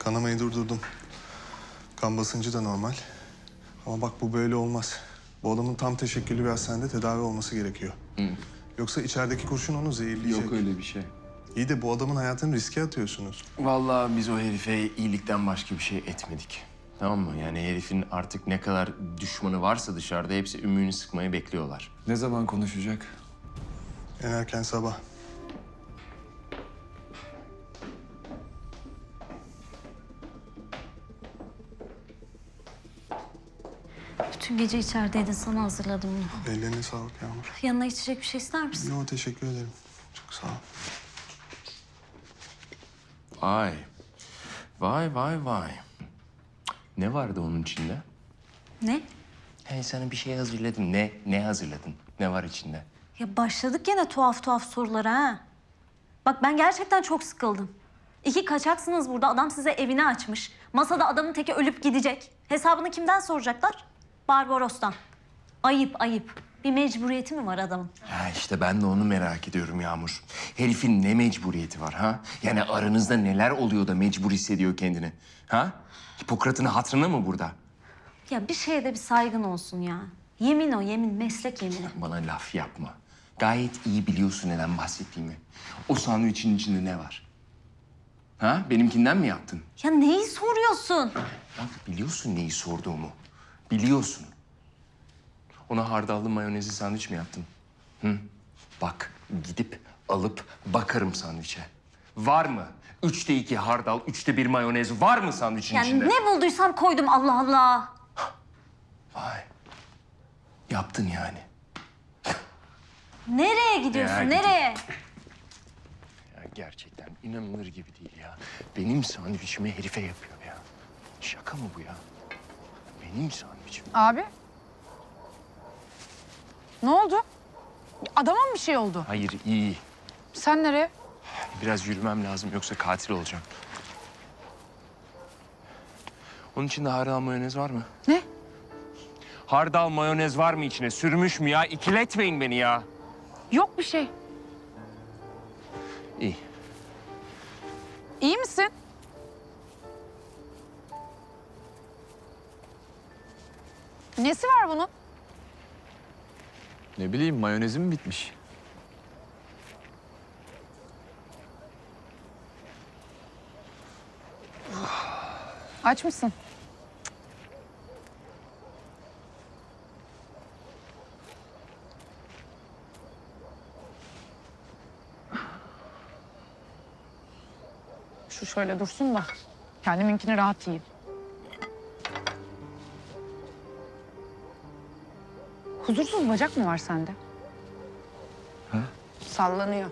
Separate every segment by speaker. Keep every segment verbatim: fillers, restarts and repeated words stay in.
Speaker 1: Kanamayı durdurdum. Kan basıncı da normal. Ama bak bu böyle olmaz. Bu adamın tam teşekküllü bir hastanede tedavi olması gerekiyor.
Speaker 2: Hı.
Speaker 1: Yoksa içerideki kurşun onu zehirleyecek.
Speaker 2: Yok öyle bir şey.
Speaker 1: İyi de bu adamın hayatını riske atıyorsunuz.
Speaker 2: Vallahi biz o herife iyilikten başka bir şey etmedik. Tamam mı? Yani herifin artık ne kadar düşmanı varsa dışarıda hepsi ümüğünü sıkmayı bekliyorlar.
Speaker 3: Ne zaman konuşacak?
Speaker 1: En erken sabah.
Speaker 4: Bütün gece içerideydin, sana hazırladım bunu.
Speaker 1: Ellerine sağlık Yağmur.
Speaker 4: Yanına içecek bir şey ister misin?
Speaker 1: Yo, teşekkür ederim. Çok sağ ol.
Speaker 2: Vay. Vay vay vay. Ne vardı onun içinde?
Speaker 4: Ne?
Speaker 2: Hey, sana bir şey hazırladım. Ne? Ne hazırladın? Ne var içinde?
Speaker 4: Ya başladık gene tuhaf tuhaf sorulara ha. Bak ben gerçekten çok sıkıldım. İki kaçaksınız burada, adam size evini açmış. Masada adamın teki ölüp gidecek. Hesabını kimden soracaklar? Barbaros'tan. Ayıp ayıp. Bir mecburiyeti mi var adamın?
Speaker 2: Ha işte ben de onu merak ediyorum Yağmur. Herifin ne mecburiyeti var ha? Yani aranızda neler oluyor da mecbur hissediyor kendini? Ha? Hipokrat'ın hatırına mı burada?
Speaker 4: Ya bir şeye de bir saygın olsun ya. Yemin o yemin, meslek yemini.
Speaker 2: Bana laf yapma. Gayet iyi biliyorsun neden bahsettiğimi. O sandviçin içinde ne var? Ha? Benimkinden mi yaptın?
Speaker 4: Ya neyi soruyorsun?
Speaker 2: Bak biliyorsun neyi sorduğumu. Biliyorsun. Ona hardallı mayonezli sandviç mi yaptın? Hı? Bak gidip alıp bakarım sandviçe. Var mı? Üçte iki hardal, üçte bir mayonez var mı sandviçin
Speaker 4: Yani
Speaker 2: içinde?
Speaker 4: ne bulduysam koydum, Allah Allah.
Speaker 2: Vay. Yaptın yani.
Speaker 4: Nereye gidiyorsun,
Speaker 2: Ya,
Speaker 4: nereye?
Speaker 2: Ya gerçekten inanılır gibi değil ya. Benim sandviçimi herife yapıyor ya. Şaka mı bu ya? Benim sandviçim.
Speaker 5: Abi. Ne oldu? Adama mı bir şey oldu?
Speaker 2: Hayır iyi.
Speaker 5: Sen nereye?
Speaker 2: Biraz yürümem lazım yoksa katil olacağım. Onun içinde hardal mayonez var mı?
Speaker 5: Ne?
Speaker 2: Hardal mayonez var mı içine? Sürmüş mü ya? İkiletmeyin beni ya.
Speaker 5: Yok bir şey.
Speaker 2: İyi.
Speaker 5: İyi misin? Nesi var bunun?
Speaker 3: Ne bileyim, mayonezim bitmiş.
Speaker 5: Aç mısın? Şu şöyle dursun da kendiminkini rahat yiyeyim. Huzursuz bacak mı var sende?
Speaker 3: Ha?
Speaker 5: Sallanıyor.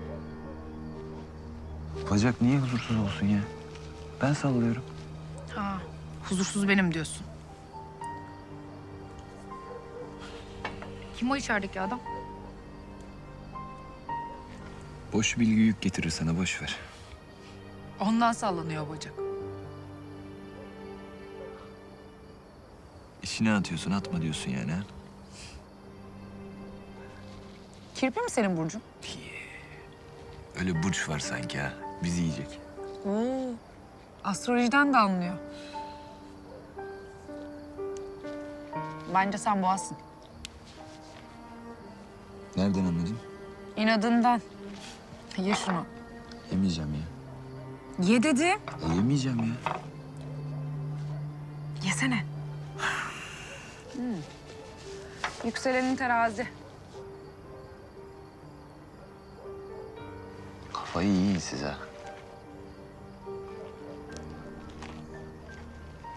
Speaker 3: Bacak niye huzursuz olsun ya? Ben sallıyorum.
Speaker 5: Ha, huzursuz benim diyorsun. Kim o içerideki adam?
Speaker 3: Boş bilgi yük getirir sana, boş ver.
Speaker 5: Ondan sallanıyor bacak.
Speaker 3: İçine atıyorsun, atma diyorsun yani ha?
Speaker 5: Kirpi mi senin burcun?
Speaker 3: Öyle burç var sanki ha, bizi yiyecek.
Speaker 5: Oo, astrolojiden de anlıyor. Bence sen boğazsın.
Speaker 3: Nereden anladın?
Speaker 5: İnadından. Ye şunu.
Speaker 3: Yemeyeceğim ya.
Speaker 5: Ye dedim.
Speaker 3: E, yemeyeceğim ya.
Speaker 5: Yesene. Hmm. Yükselenin terazi.
Speaker 3: Kafayı yiyin size.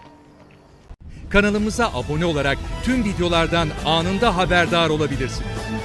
Speaker 6: Kanalımıza abone olarak tüm videolardan anında haberdar olabilirsiniz.